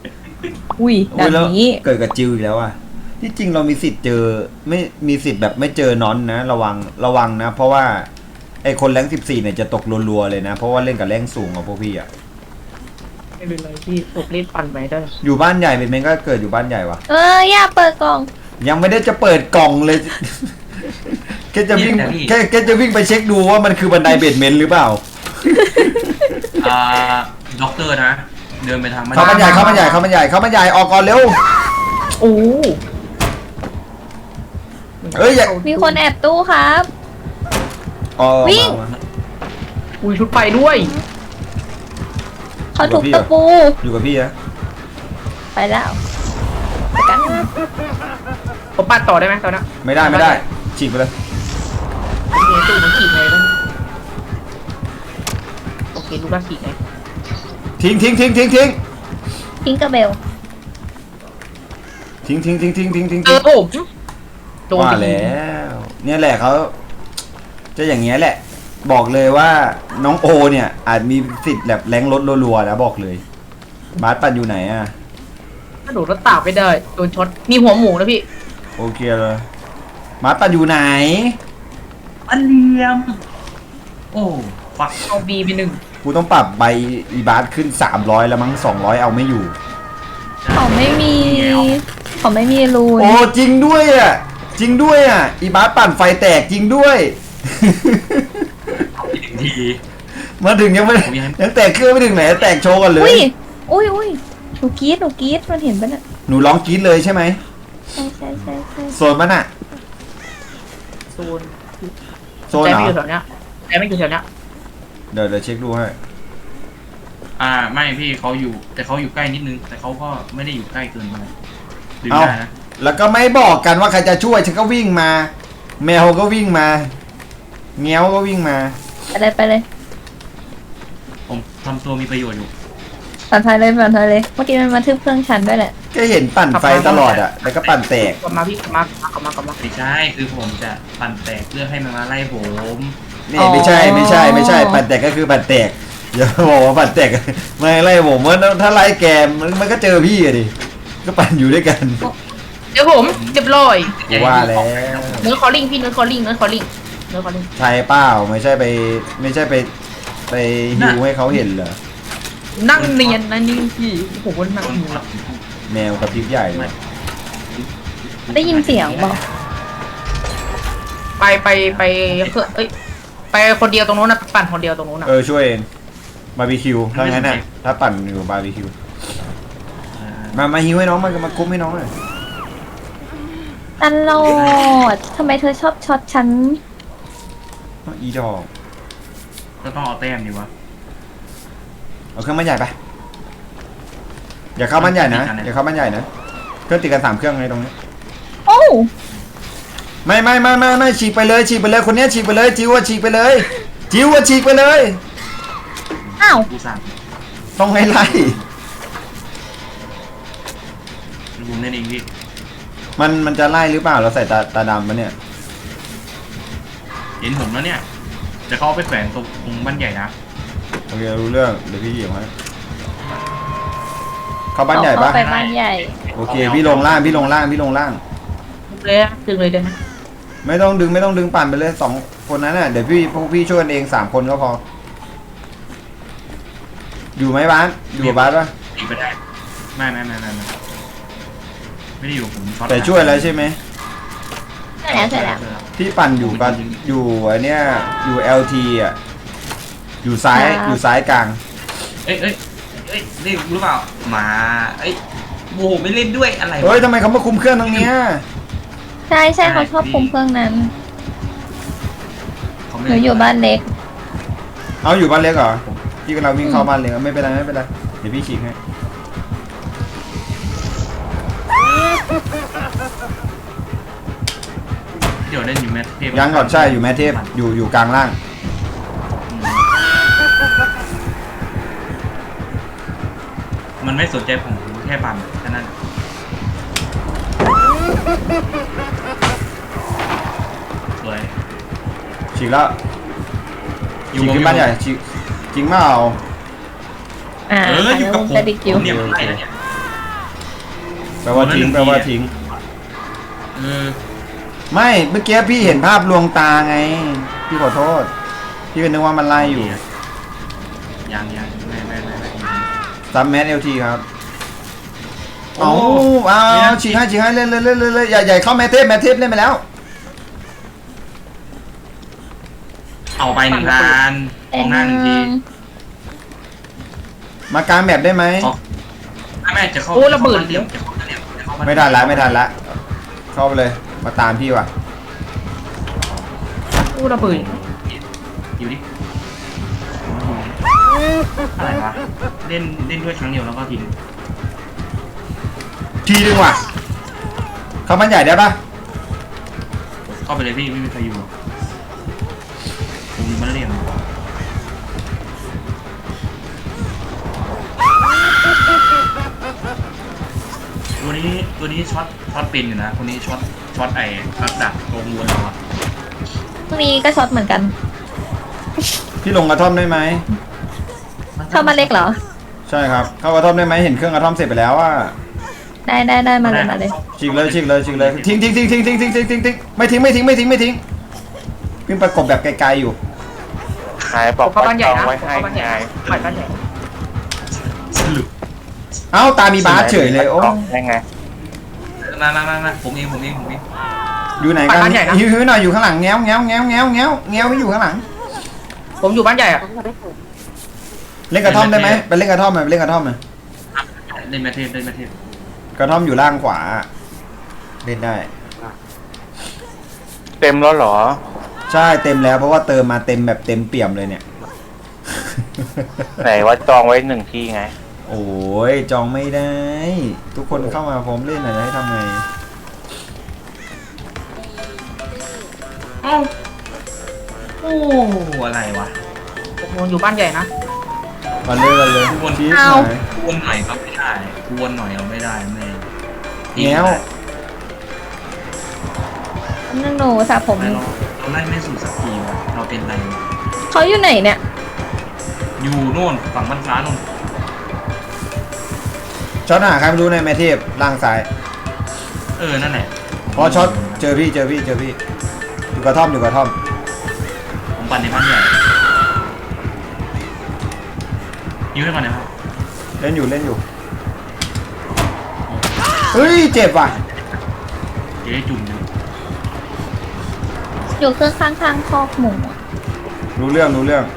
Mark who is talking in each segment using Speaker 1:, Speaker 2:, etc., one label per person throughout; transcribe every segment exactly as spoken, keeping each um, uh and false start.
Speaker 1: อุ้ยแบ
Speaker 2: อุ๊ย
Speaker 1: บ
Speaker 2: แล้ว
Speaker 1: นี้
Speaker 2: เกิดกับจิวอีกแล้วอ่ะที่จริงเรามีสิทธิ์เจอไม่มีสิทธิ์แบบไม่เจอนอนนะระวังระวังนะ เพราะว่าไอคนแรงสิบสี่เนี่ยจะตกรัวๆเลยนะเพราะว่าเล่นกับแรงสูงกว่าพวกพี่อ่ะ
Speaker 3: ไม่เป็นไรพี่ผมเล่นปั่นไปได้
Speaker 2: อยู่บ้านใหญ่เป็นเมนก็เกิดอยู่บ้านใหญ่วะ
Speaker 1: เอออย่าเปิดกล่อง
Speaker 2: ยังไม่ได้จะเปิดกล่องเลย แค่จะวิ่งแค่แค่จะวิ่งไปเช็คดูว่ามันคือบันไดเบดเมนต์หรือเปล่า
Speaker 4: อ่าด็อกเตอร์นะเดินไปทาง
Speaker 2: เข้าบ้านใหญ่เข้าบ้านใหญ่เข้าบ้านใหญ่เข้าบ้านใหญ่ออกก่อนเร็ว
Speaker 3: โอ้
Speaker 2: เอ้ยอย่า
Speaker 1: มีคนแอบตู้ครับ
Speaker 2: อ๋อ
Speaker 1: วิ่ง
Speaker 2: มามา
Speaker 3: อุ้ยชุดไปด้วย
Speaker 1: เขาถูกตะปู
Speaker 2: อยู่กับพี่นะ
Speaker 1: ไปแล้วไปกัน
Speaker 3: ผมปั่นต่อได้ไหมตอนนี้
Speaker 2: ไม่ได้ไม่ได้ฉีกไปเลย
Speaker 3: โอเคตู้มันขีดไงบ้างโอเคลูกละขีดไง
Speaker 2: ทิ้งทิ้งทิ้งทิ้งทิ้ง
Speaker 1: ทิ้งกระเบล
Speaker 2: ทิ้งทิ้งทิ้งทิ้งทิ้งทิ้ง
Speaker 3: เออผมโดน
Speaker 2: ว่า
Speaker 3: ไป
Speaker 2: แล้วเนี่ยแหละเขาจะอย่างเงี้ยแหละ บอกเลยว่าน้องโอเนี่ยอาจมีสิทธิ์แบบแรงลดรัวๆนะบอกเลยบาสปันอยู่ไหนอ่ะ
Speaker 3: ถ้าโดดรถตากไม่ได้โดนช็อตมีหัวหมูนะพี่
Speaker 2: โอเคเลยบาสปันอยู่ไหน
Speaker 4: อันเลียมโอ้ฟัก
Speaker 3: เอาบีไปหนึ่ง
Speaker 2: กูต้องปรับใบอีบาสขึ้นสามร้อยแล้วมั้งสองร้อยเอาไม่อยู่
Speaker 1: เขาไม่มีเขาไม่มีรูน
Speaker 2: โอ้จริงด้วยอ่ะจริงด้วยอ่ะอีบาสปั่นไฟแตกจริงด้วย
Speaker 4: อีกหนึ่งที
Speaker 2: มาถึงยังไม่
Speaker 4: ผมยัง
Speaker 2: ยังแตกเครื่องไม่ถึงไหนแตกโชว์กันเล
Speaker 1: อุ้
Speaker 2: ย
Speaker 1: ยอุ้ยอุ้ยหนูกรี๊ดหนูกรี๊ดมันเห็นปะเนี่ย
Speaker 2: หนูร้องกรี๊ดเลยใช่ไหม
Speaker 1: ใช่ใช่ใช่ใช่
Speaker 2: โซนมันอ่ะ
Speaker 3: โซน
Speaker 2: โซน
Speaker 3: ใจ
Speaker 2: เหร
Speaker 3: ไม่
Speaker 2: อ
Speaker 3: อยู่แถวเนี้ยใจไม่อยู่แถวเนี้ย
Speaker 2: เดี๋ยวเดี๋ยวเช็คดูให้
Speaker 4: อ่าไม่พี่เขาอยู่แต่เขาอยู่ใกล้นิดนึง แต่เขาก็ไม่ได้อยู่ใกล้เกินไปดึง
Speaker 2: เอา
Speaker 4: ได้นะ
Speaker 2: แล้วก็ไม่บอกกันว่าใครจะช่วยฉันก็วิ่งมา แมวก็วิ่งมาเงี้ยวก็วิ่งมา
Speaker 1: ไปเลยไปเลย
Speaker 4: ผมทำตัวมีประโยชน์อยู่
Speaker 1: ปั่นไฟเลยปั่นไฟเลยเมื่อกี้มันมาทึบเครื่องชั้นด้วยแหละ
Speaker 2: ก็เห็นปั่นไฟตลอดอ่ะแล้วก็ปั่นแตก
Speaker 3: กลับมาพี่กลับมากลับมากลับมา
Speaker 4: ไม่ใช่คือผมจะปั่นแตกเพื่อให้มันมาไล่ผม
Speaker 2: นี่ไม่ใช่ไม่ใช่ไม่ใช่ปั่นแตกก็คือปั่นแตกอย่าบอกว่าปั่นแตกไม่ไล่ผมว่าถ้าไล่แกมันมันก็เจอพี่อะดิก็ปั่นอยู่ด้วยกัน
Speaker 3: เดี๋ยวผมเรียบร้อย
Speaker 2: ว่าแล้ว
Speaker 3: เนื้อคอลลิ่งพี่เนื้อคอลลิ่งเนื้อคอลลิ่งเนื้อคอลลิ่ง
Speaker 2: ใช่เปล่าไม่ใช่ไปไม่ใช่ไปไปฮิวให้เขาเห็นเหรอ
Speaker 3: นั่งเนียนนะนี่พี่ผมว่านั่ง
Speaker 4: คน
Speaker 3: เนียน
Speaker 4: ขับ
Speaker 2: แมวกับพริบใหญ่เลย
Speaker 1: ได้ยินเสียงบอก
Speaker 3: ไปไปไปเครื่องเอ้ยไปคนเดียวตรงนู้นนะปั่นคนเดียวตรงนู้นนะ
Speaker 2: เออช่วยเองบาร์บีคิวถ้างั้นน่ะถ้าปั่นอยู่บาร์บีคิว
Speaker 4: อ่า
Speaker 2: มามาฮิวให้น้องมามาคุ้มให้น้องหน่อย
Speaker 1: ตลอดทำไมเธอชอบช็อตฉัน
Speaker 2: อีดอก
Speaker 4: ก็ต้องเอาแต้มดีวะ
Speaker 2: เอาเครื่องบ้านใหญ่ไปอย่าเข้าบ้านใหญ่นะอย่าเข้าบ้านใหญ่นะเครื่องติดกันสามเครื่องไงตรงนี้
Speaker 1: โอ้
Speaker 2: ไม่ไม่ไม่ไม่ไม่ฉีกไปเลยฉีกไปเลยคนเนี้ยฉีกไปเลยจิวว่าฉีกไปเลยจิวว่าฉีกไปเลย
Speaker 1: อ้าว
Speaker 4: กูสั่ง
Speaker 2: ต้องให้ไล่
Speaker 4: ลุงนั่นเองพี่
Speaker 2: มันมันจะไล่หรือเปล่าเราใส่ตาตาดำปะเนี่ย
Speaker 4: เห็นผมแล้วเนี่ยจะเข้าไปแขวนตรงตรงบ้านใหญ่นะ
Speaker 2: โอเครู้เรื่องเดี๋ยวพี่เหยียบให้เข้าบ้านใหญ่ปะ
Speaker 1: เข้าไปบ้านใหญ่
Speaker 2: โอเคพี่ลงล่างพี่ลงล่างพี่ลงล่าง
Speaker 3: เลยอะดึงเลยได้ไหม
Speaker 2: ไม่ต้องดึงไม่ต้องดึงปั่นไปเลยสองคนนั้นน่ะเดี๋ยวพี่พวกพี่ช่วยกันเองสามคนก็พอ อยู่ไหมบ้านอยู่กับบ้านปะ
Speaker 4: ตีไปได้ไม่ไม่ไม่ไม่ไม่ไม่ได้อยู่ผมช็อต
Speaker 2: แต่ช่วยแล้วใช่ไหม
Speaker 1: ใช่แล้วใช่แล้ว
Speaker 2: พี่ปั่นอยู่กันอยู่ไอเนี้ยอยู่ แอล ที อ่ะอยู่ซ้าย
Speaker 1: ครับ
Speaker 2: อยู่ซ้ายกลาง
Speaker 4: เอ้ยเอ้ยเอ้ยเล่นหรือเปล่ามาเอ้ยโอ้โหไม่เล่นด้วยอะไรวะ
Speaker 2: เฮ้ยทำไมเขามาคุมเครื่องตรงเนี้ย
Speaker 1: ใช่ใช่เขาชอบคุมเครื่องนั้น
Speaker 4: เขาไม่
Speaker 1: หนู
Speaker 4: เล่น
Speaker 1: อยู่บ้านเล็ก
Speaker 2: เอาอยู่บ้านเล็กเหรอพี่กำลังวิ่งเข้าบ้านเล็กไม่เป็นไรไม่เป็นไรเดี๋ยวพี่ฉีกให้
Speaker 4: เดี๋ยวเล่นอยู่แมทเทพ
Speaker 2: ยังก่อนใช่อยู่แมทเทพอยู่อยู่กลางล่าง
Speaker 4: มันไม่สนใจผมแค่ปั่นแค่นั้นสวย
Speaker 2: ฉีกแล้ว
Speaker 4: อยู่
Speaker 2: ฉีกขึ้นบ้านใหญ่ฉีกจริงเปล่า
Speaker 1: อ่า
Speaker 4: เอออยู่กับผม
Speaker 1: จะดิคิว
Speaker 4: ผมเนี่ยมันไล่แล้วเนี่ย
Speaker 2: แปลว่าทิ้งแปลว่าทิ้ง
Speaker 4: เออ
Speaker 2: ไม่เมื่อกี้พี่เห็นภาพลวงตาไงพี่ขอโทษพี่ก็นึกว่ามันไล่อยู่
Speaker 4: ยังยังไม่ไม่ไม่ไม่
Speaker 2: ซัมแมสเอลทีครับเอาเอาฉีกให้ฉีกให้เล่นเล่นเล่นเล่นเล่นใหญ่ใหญ่เข้าแมทเทปแมทเทปเล่นไปแล้ว
Speaker 4: เอาไปหนึ่งล้านมองหน้าหนึ่งที
Speaker 2: มากลางแมปได้ไหม
Speaker 4: แม่จะเข้า
Speaker 3: โอ้ระเบิด
Speaker 4: เดี๋ยวจะเข้าเดี๋ยวจะเข้า
Speaker 2: ไม่ทันละไม่ทันละเข้าไปเลยมาตามพี่ว่ะ
Speaker 3: อู้ระเบิด
Speaker 4: อยู่ดิอะไรวะเล่นเล่นด้วยครั้งเดียวแล้วก็ทิ้ง
Speaker 2: ทีนึงว่ะเข้ามันใหญ่ได้ปะ
Speaker 4: เข้าไปเลยพี่ไม่มีใครอยู่หรอกผมมันเรียนตัวนี้ตัวนี้ช็อตช็อตเป็นอยู่นะคนนี้ช็อตช็อตไอ้รักดักตรงวนเราอะ
Speaker 1: พรุ่งนี้ก็ช็อตเหมือนกัน
Speaker 2: พี่ลงกระท่อมได้ไหม
Speaker 1: เข้ามาเล็กเหรอ
Speaker 2: ใช่ครับเข้ากระท่อมได้ไหมเห็นเครื่องกระท่อมเสร็จไปแล้วว่า
Speaker 1: ได้ได้ได้มาเลยมาเลย
Speaker 2: ฉีกเลยฉีกเลยฉีกเลยทิ้งทิ้งทิ้งทิ้งทิ้งทิ้งทิ้งทิ้งทิ้งไม่ทิ้งไม่ทิ้งไม่ทิ้งไม่ทิ้งพี่ประกบแบบไกลๆอยู่
Speaker 5: ขายบอก
Speaker 3: เข้าบ้านใหญ่
Speaker 5: จอง
Speaker 3: นะ
Speaker 5: ไว้
Speaker 3: เข้า
Speaker 5: ให้
Speaker 3: บ้านใหญ่
Speaker 5: ไง
Speaker 3: ปล่อยบ้านใหญ่
Speaker 4: สรุป
Speaker 2: เอ้าตามีบาสเฉยเลยโอ้
Speaker 5: ได้ไง
Speaker 4: นั่นนั่นนั่นผมเองผมเองผมเอง
Speaker 2: อยู่ไหนกันหิวหิวหน่อยอยู่ข้างหลังแง้วแง้วแง้วแง้วแง้วแง้วไม่อยู่ข้างหลัง
Speaker 3: ผมอยู่บ้านใหญ่อะ
Speaker 2: เล่นกระท่อมได้ไหมไปเล่นกระท่อมไหมไปเล่นกระท่อมไหม
Speaker 4: เล่นแมทเทปเล่นแมทเทป
Speaker 2: กระท่อมอยู่ล่างขวาเล่นได้
Speaker 5: เต็มแล้วเหรอ
Speaker 2: ใช่เต็มแล้วเพราะว่าเติมมาเต็มแบบเต็มเปี่ยมเลยเนี่ย
Speaker 5: ไหนว่าจองไว้หนึ่งที่ไง
Speaker 2: โอ้ยจองไม่ได้ ทุกคนเข้ามาพร้อมเล่นหน่อยจะให้ทำไง
Speaker 4: เอ้าโอ้อะไรวะ
Speaker 3: ผมอยู่บ้านใหญ่นะ
Speaker 2: มาเลยมาเลย
Speaker 4: วน
Speaker 2: ชี้
Speaker 1: เอา
Speaker 2: หน่อย
Speaker 4: วนหน่อยครับไม่ได้วนหน่อยเอาไม่ได้ไม่
Speaker 2: แง้ว
Speaker 1: นั่นหนูสระผม
Speaker 4: เราเราไล่ไม่สู่สักทีวะเราเป็นไรวะ
Speaker 1: เขาอยู่ไหนเนี่ย
Speaker 4: อยู่โน่นฝั่งบ้านฟ้าโน่น
Speaker 2: ช็อตหาใครไม่รู้ในแมทเทพล่างซ้าย
Speaker 4: เออนั่นแหละ
Speaker 2: พอช็อตเจอพี่เจอพี่เจอพี่อยู่กระท่อมอยู่กระท่อม
Speaker 4: ผมปั่นในบ้านใหญ่ยิ้มให้ก่อนนะครับ
Speaker 2: เล่นอยู่เล่นอยู่เฮ้ยเจ็บว่ะ
Speaker 4: เจ๊จุ่มอยู่
Speaker 1: อยู่เครื่องข้างๆคอกหมูอะ
Speaker 2: รู้เรื่องรู้เรื่อง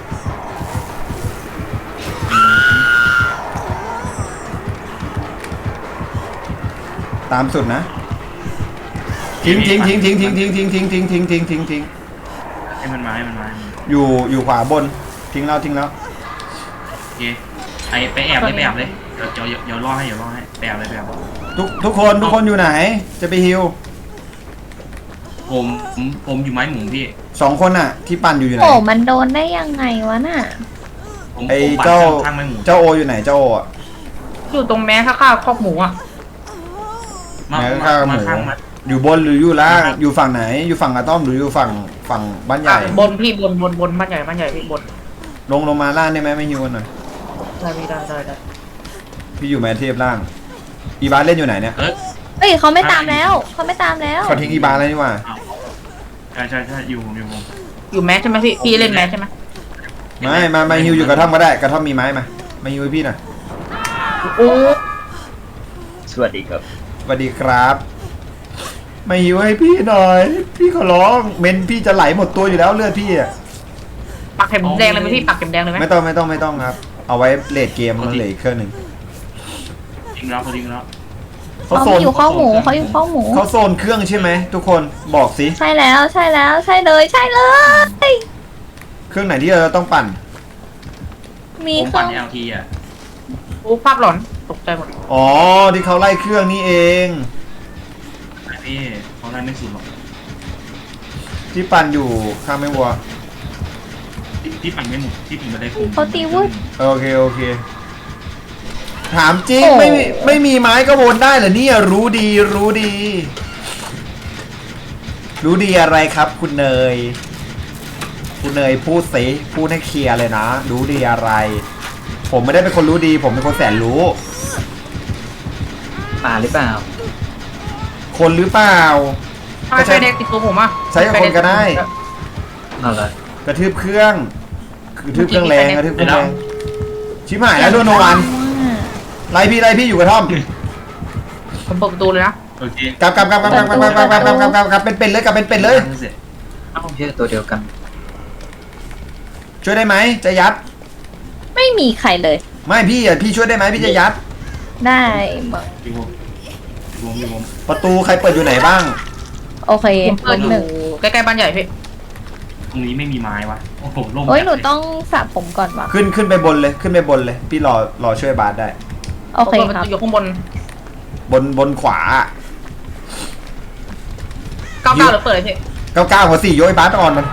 Speaker 2: ตามสุดนะทิ้งทิ้งทิ้งทิ้งทิ้งทิ้งทิ้งทิ้งทิ้งทิ้งทิ้งทิ้งทิ้ง
Speaker 4: ให้มันมาให้มันมาให้มันมา
Speaker 2: อยู่อยู่ขวาบนทิ้งแล้วทิ้งแล้ว
Speaker 4: โอเคไอไปแอบเลยไปแอบเลยเดี๋ยวเดี๋ยวเดี๋ยวรอให้เดี๋ยวรอให้ไปแอบเลยไปแอบ
Speaker 2: ทุกทุกคนทุกคนอยู่ไหน จะไปฮิว
Speaker 4: ผมผมผมอยู่ไม้หมูพี่
Speaker 2: สองคนน่ะ ที่ปั่นอยู่อยู่ไหน
Speaker 1: โอ้มันโดนได้ยังไงวะน่ะ
Speaker 4: ผม
Speaker 2: ไอ้
Speaker 4: ผมปั่น
Speaker 2: เจ้า
Speaker 4: ข้างไม้หมู
Speaker 2: เจ้าโออยู่ไหนเจ้าโออ่ะ
Speaker 3: อยู่ตรงแม้ข้าวๆคอกหมูอะ
Speaker 4: มา
Speaker 2: ไหน
Speaker 4: มา
Speaker 2: ข้างห
Speaker 4: มา
Speaker 2: มู
Speaker 4: ข้างมา
Speaker 2: อยู่บนหรืออยู่ล่าง
Speaker 4: ครับ
Speaker 2: อยู่ฝั่งไหน อยู่ฝั่งกระต้อมหรืออยู่ฝั่งฝั่งบ้านใหญ่
Speaker 3: อ่ะบนพี่บนบนบนบ้านใหญ่บ้านใหญ่พี่บน
Speaker 2: ลงลงมาล่างได้ไหมไม่ฮิวกันหน่อย
Speaker 3: ได้พี่ได้ได้ได้
Speaker 2: พี่อยู่แมนเทพล่าง อีบาสเล่นอยู่ไหนเนี่ย
Speaker 4: เอ้ย
Speaker 1: เอ้ยเขาไม่ตามแล้วเขาไม่ตามแล้ว
Speaker 2: เขาทิ้งอีบาสแล้วนี่หว่า
Speaker 4: ใช่ใช่ใช่อยู่ผมอยู่ผม
Speaker 3: อยู่แมสใช่ไหมพี่พี่เล่นแมสใช่ไหม
Speaker 2: ไม่มามาฮิวอยู่กระท่อมก็ได้กระท่อมมีไม้มามาฮิวให้พี่หน่อย
Speaker 3: โอ้
Speaker 5: สวัสดีครับ
Speaker 2: สวัสดีครับมาฮิวให้พี่หน่อย พี่ขอร้องเมนพี่จะไหลหมดตัวอยู่แล้วเลือดพี่อ่ะ
Speaker 3: ปักเข็มแดงเลยไหมพี่ปักเข็มแดงเลยไหม
Speaker 2: ไม่ต้องไม่ต้องไม่ต้องครับ เอาไว้เลดเกมมันเหลืออีกเครื่องหนึ่ง
Speaker 4: ทิ้งแล้วเขาทิ้งแล้ว
Speaker 2: เขา
Speaker 1: เขา
Speaker 2: โซน
Speaker 1: อยู่ข้อกหมูเขาอยู่ข้อกหมู
Speaker 2: เขาโซนเครื่องใช่ไหมทุกคนบอกสิ
Speaker 1: ใช่แล้วใช่แล้วใช่เลยใช่เลย
Speaker 2: เครื่องไหนที่เราต้องปั่น
Speaker 1: มี
Speaker 4: ผม
Speaker 1: เครื่
Speaker 4: ปั่
Speaker 1: อน ง
Speaker 4: เอลทีอ่ะ
Speaker 3: โอ้ภาพหลอนตกใจหมด
Speaker 2: อ๋อที่เขาไล่เครื่องนี่เอง
Speaker 4: พี่เขาไล่ไม่สุดหรอก
Speaker 2: ที่ปั่นอยู่ข้างไม่วัว
Speaker 4: ที่ที่ปั่นไม่หมดที่ปั่นไม่ได้
Speaker 1: เขาตีวุ้ด
Speaker 2: โอเคโอเค ถามจริง
Speaker 1: โอ้
Speaker 2: ไม่มีไม่มีไม้ก็วนได้เหรอเนี่ยรู้ดีรู้ดี รู้ดีอะไรครับ คุณเนย คุณเนยพูดสิพูดให้เคลียร์เลยนะ รู้ดีอะไร ผมไม่ได้เป็นคนรู้ดี ผมเป็นคนแสนรู้
Speaker 6: ป่าหรือเปล่า
Speaker 2: คนหรือเปล่า
Speaker 3: ทำไมไฟแดงติดตัวผมอ่ะ
Speaker 2: ใช้กับคนก็ได้
Speaker 6: เอาเลย
Speaker 2: กระทืบเครื่องกระทืบเครื่องแรงกระทืบเครื่องแรงชิบหายแล้วโดนโนวันไล่พี่ไล่พี่อยู่กระท่อม
Speaker 3: ผมเปิดประตูเลยนะ
Speaker 4: โอเค
Speaker 2: กลับกลับกลับกลับกลับกลับกลับกลับกลับกลับกลับกลับเป็นเป็นเลยกลับเป็นเป็นเลย
Speaker 4: เสร็จ
Speaker 6: เอ้าเยอะตัวเดียวกัน
Speaker 2: ช่วยได้ไหมจะยัด
Speaker 1: ไม่มีใครเลย
Speaker 2: ไม่พี่อ่ะพี่ช่วยได้ไหมพี่จะยัด
Speaker 1: ได้หมด
Speaker 4: พี่วงพี่วงพี่วง
Speaker 2: ประตูใครเปิดอยู่ไหนบ้าง
Speaker 1: โอเค
Speaker 3: ผมเปิดอ
Speaker 1: หนึ่
Speaker 3: ยู่
Speaker 1: ง
Speaker 3: ใกล้ๆบ้านใหญ่พี่
Speaker 4: ตรงนี้ไม่มีไม้วะโอ้โหโล่ง
Speaker 1: โอ้ยหนู
Speaker 4: จัดเล
Speaker 1: ต้องสระผมก่อนวะ
Speaker 2: ขึ้นขึ้นไปบนเลยขึ้นไปบนเลย พี่รอรอช่วยบาสได้
Speaker 1: โอเค
Speaker 3: ผมเปิดประ
Speaker 1: ครับ
Speaker 3: ตูอยู่ข้างบน
Speaker 2: บนบนขวา
Speaker 3: เก้าเก้าหรือเปิดเลยพี่
Speaker 2: เก้าเก้าหัวสี่โยยบาสอ่อนมัน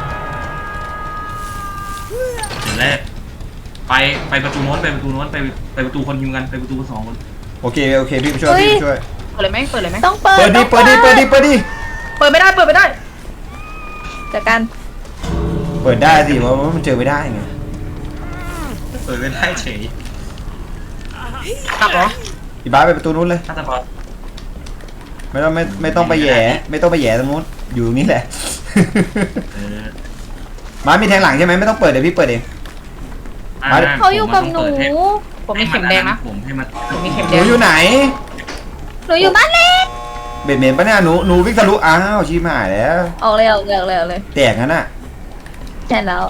Speaker 4: เสร็จแล้วไปไปประตูโน้นไปประตูโน้นไปไปประตูคนยิงกันไปประตูคนสองคน
Speaker 2: โอเคโอเคพี่ไปช่วยพี่ไปช่วย
Speaker 3: เปิดเลยไหมเปิดเลยไหม
Speaker 1: ต้องเปิด
Speaker 2: เปิดดิ
Speaker 1: ต้อง
Speaker 2: เปิดดิเปิดดิเปิดดิ
Speaker 3: เปิดไม่ได้เปิดไม่ได้
Speaker 1: จากกัน
Speaker 2: เปิดได้สิเพราะว่ามันเจอไม่ได้ไง
Speaker 4: เปิดไม่ได้เฉย
Speaker 3: กลับเหรอ
Speaker 2: อีบาสไปประตูนู้นเลย
Speaker 4: น่าจะพอ
Speaker 2: ไม่ต้องไม่ไม่ต้องไปแหย่ไม่ต้องไปแหย่ตรงนู้นอยู่ตรงนี้แหละ
Speaker 4: เออ
Speaker 2: บาสมีแทงหลังใช่ไหมไม่ต้องเปิดเดี๋ยวพี่เปิดเอง
Speaker 4: อ่
Speaker 2: มาดิ
Speaker 1: เขาอยู่กับหนู
Speaker 3: ผมมีเข็มแดงนะ
Speaker 4: ผมให้มัน
Speaker 3: ผมมีเข็ม
Speaker 2: ห
Speaker 3: แด
Speaker 2: นู
Speaker 3: ง
Speaker 2: อยู่ไหน
Speaker 1: หนูอยู่บ้านเล็ก
Speaker 2: เบ็ดเมนปะเนี่ยหนูหนูวิ่งทะลุอ้าวชิบหายแล้ว
Speaker 1: ออกเลยออกเลยออกเลยออกเลย
Speaker 2: แตกงั้นน่ะ
Speaker 1: ใช่แล้ว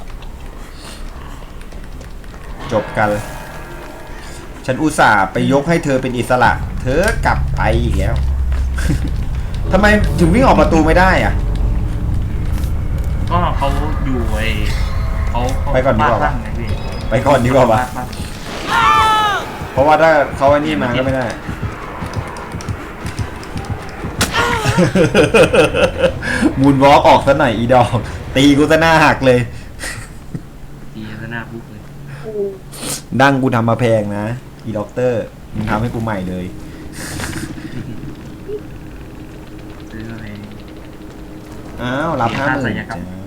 Speaker 2: จบกัน ฉันอุตส่าห์ไปยกให้เธอเป็นอิสระ เธอกลับไปอีกแล้ว ทำไมถึงวิ่งออกประตูไม่ได้อะ
Speaker 4: ก็เขาอยู่ไอ้เขาเขา
Speaker 2: ไปก่อนดีกว่า
Speaker 4: บ้นไงพี่
Speaker 2: ไปก่อนดีกว่าปะ
Speaker 4: บ้น
Speaker 2: เพราะว่าถ้าเขาอันนี้มาก็ไม่ได้ มูนวอล์กออกซะหน่อยอีดอก ตีกูซะหน้าหักเลย
Speaker 4: ตีซะหน้าปุ๊บเลย
Speaker 2: ดั้งกูทำมาแพงนะ อีด็อกเตอร์มึงทำให้กูใหม่เลย
Speaker 4: ซื้ออะไร
Speaker 2: อ้าว รับ
Speaker 4: เสีย
Speaker 2: ห้า
Speaker 4: ค่า
Speaker 2: หมื่
Speaker 4: ศั
Speaker 2: น
Speaker 4: ลยกรรม
Speaker 2: จ้า